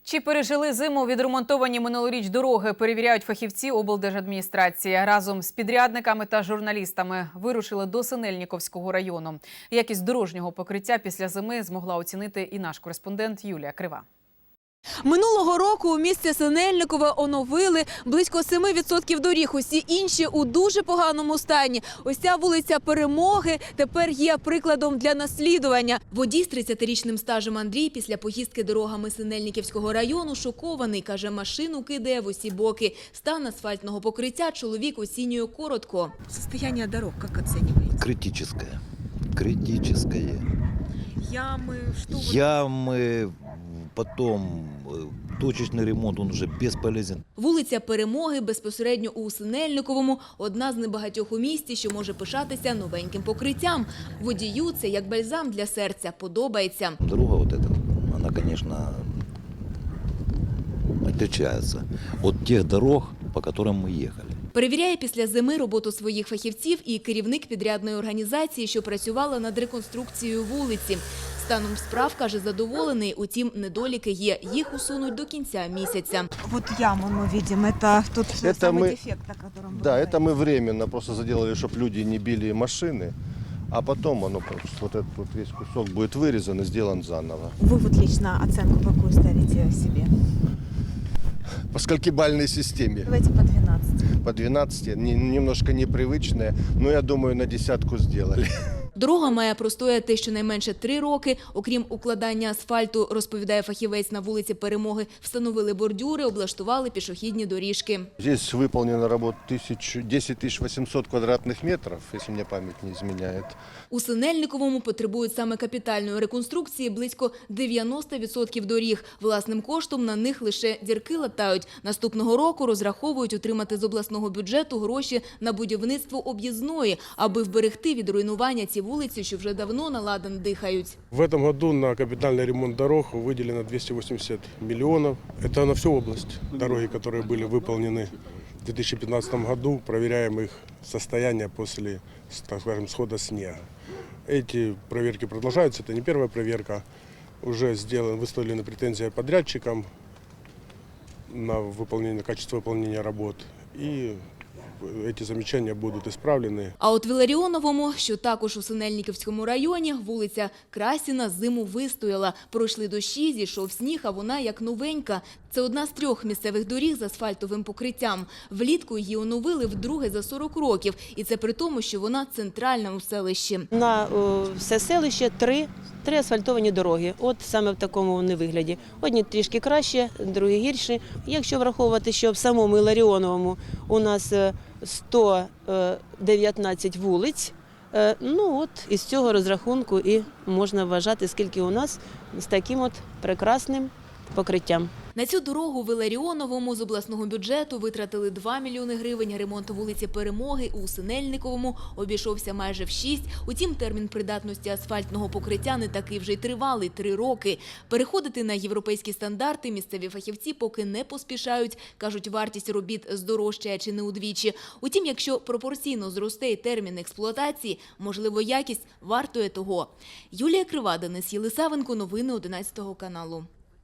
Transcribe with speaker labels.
Speaker 1: Чи пережили зиму відремонтовані минулоріч дороги, перевіряють фахівці облдержадміністрації. Разом з підрядниками та журналістами вирушили до Синельниковського району. Якість дорожнього покриття після зими змогла оцінити і наш кореспондент Юлія Крива.
Speaker 2: Минулого року у місті Синельникове оновили близько 7% доріг. Усі інші у дуже поганому стані. Ось ця вулиця Перемоги тепер є прикладом для наслідування. Водій з 30-річним стажем Андрій після поїздки дорогами Синельниківського району шокований. Каже, машину кидає в усі боки. Стан асфальтного покриття чоловік оцінює коротко.
Speaker 3: Состояние дорог как оцениваете?
Speaker 4: Критическое. Критическое.
Speaker 3: Ямы, что?
Speaker 4: Ямы, потом точечный ремонт, он уже бесполезен.
Speaker 2: Вулиця Перемоги безпосередньо у Синельниковому – одна з небагатьох у місті, що може пишатися новеньким покриттям. Водію це як бальзам для серця, подобається.
Speaker 4: Дорога вот эта, она, конечно, отличается от тех дорог, по которым мы ехали.
Speaker 2: Перевіряє після зими роботу своїх фахівців і керівник підрядної організації, що працювала над реконструкцією вулиці. Станом справ, каже, задоволений, утім, недоліки є. Їх усунуть до кінця місяця.
Speaker 3: Вот яму мы видим, это тот самый дефект, о котором вы
Speaker 5: Да,
Speaker 3: говорите.
Speaker 5: это мы временно просто заделали, чтобы люди не били машины, а потом оно, вот этот вот весь кусок будет вырезан и сделан заново.
Speaker 3: Вы вот лично оценку какую ставите себе?
Speaker 5: По сколькибалльной системе?
Speaker 3: Давайте по 12.
Speaker 5: По 12, немножко непривычная, но я думаю, на 10 сделали.
Speaker 2: Дорога має простояти щонайменше 3 роки. Окрім укладання асфальту, розповідає фахівець, на вулиці Перемоги встановили бордюри, облаштували пішохідні доріжки.
Speaker 5: Здесь выполнена работа 10 800 квадратных метров, если мне память не изменяет.
Speaker 2: У Синельниковому потребують саме капітальної реконструкції близько 90% доріг. Власним коштом на них лише дірки латають. Наступного року розраховують отримати з обласного бюджету гроші на будівництво об'їзної, аби вберегти від руйнування ці вулиці, що вже давно на ладан дихають.
Speaker 6: В этом году на капитальный ремонт дорог выделено 280 миллионов. Это на всю область. Дороги, которые были выполнены в 2015 году, проверяем их состояние после, так скажем, схода снега. Эти проверки продолжаются, это не первая проверка. Уже выставлены претензии подрядчикам на качество выполнения работ. И эти замечания будут исправлены.
Speaker 2: А от в Іларіоновому, що також у Синельниківському районі, вулиця Красіна зиму вистояла. Пройшли дощі, зійшов сніг, а вона як новенька. Це одна з 3 місцевих доріг з асфальтовим покриттям. Влітку її оновили вдруге за 40 років. І це при тому, що вона центральна у селищі.
Speaker 7: На все селище 3 асфальтовані дороги. От саме в такому вони вигляді. Одні трішки краще, другі гірші. Якщо враховувати, що в самому Іларіоновому у нас 119 вулиць, ну от із цього розрахунку і можна вважати, скільки у нас з таким от прекрасним покриттям.
Speaker 2: На цю дорогу в Іларіоновому з обласного бюджету витратили 2 мільйони гривень. Ремонт вулиці Перемоги у Синельниковому обійшовся майже в 6. Утім, термін придатності асфальтного покриття не такий вже й тривалий – 3 роки. Переходити на європейські стандарти місцеві фахівці поки не поспішають. Кажуть, вартість робіт здорожчає чи не удвічі. Утім, якщо пропорційно зросте й термін експлуатації, можливо, якість вартує того. Юлія Крива, Денис Єлисавенко, новини 11 каналу.